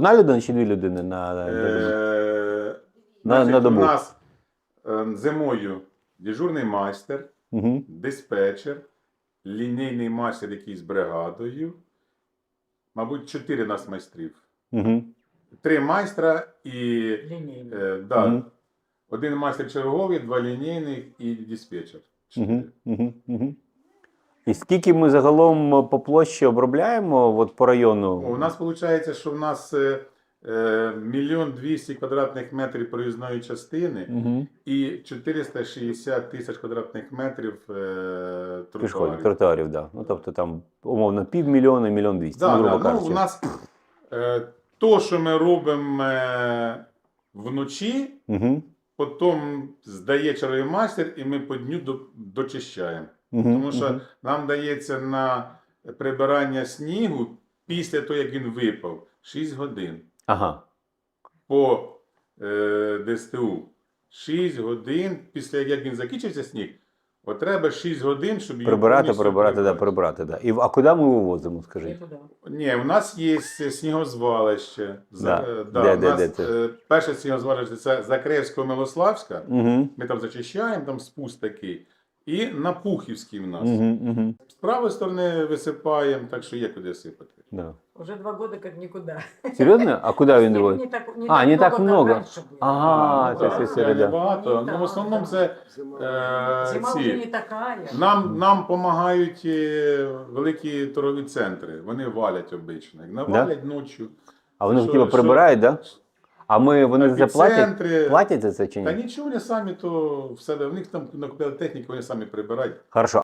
одна людина чи дві людини на Значить, добу? у нас зимою дежурний майстер, Угу. диспетчер, лінійний майстер, який з бригадою. Мабуть, 4 нас майстрів. Угу. 3 майстра і Лінійний. да, Мгм. 1 майстер черговий, 2 лінійних і диспетчер. 4. Угу. Угу. Угу. І скільки ми загалом по площі обробляємо от по району? У нас виходить, що в нас 1 200 000 квадратних метрів проїзної частини Угу. і 460 000 квадратних метрів Пішохідних тротуарів. тротуарів, да. Ну, тобто там, умовно, 500 000, 1 200 000, Да, грубо да. кажучи. У нас то, що ми робимо вночі, Угу. потім здає черговий майстер, і ми по дню дочищаємо. Угу. Тому що нам дається на прибирання снігу після того, як він випав, 6 годин. Ага. По ДСТУ. 6 годин після як він закінчився сніг, от треба 6 годин, щоб його повністю Прибирати, да. А куди ми вивозимо, скажіть? Нікуди. Ні, у нас є снігозвалище. Да. У Де нас це? перше снігозвалище це Закревсько-Милославська. Угу. Ми там зачищаємо, там спуск такий. І на Пухівській в нас. Угу. Угу. З правої сторони висипаємо, так що є куди сипати. Да. Уже 2 года как никуда. Серйозно? А куди він Снег вивозить? не так много, как раньше было. Ага, це так, все середа. багато. Ну, Ну, в основному це Зима уже не ці. такая. Нам допомагають великі торгові центри. Вони валять обично. Навалять ночі. А вони Що- типу прибирають, так? Да? А вони за це платять? Епіцентри. Платять за це чи Та ні? нічого, вони самі то в себе. В них там накупили техніку, вони самі прибирають. Хорошо.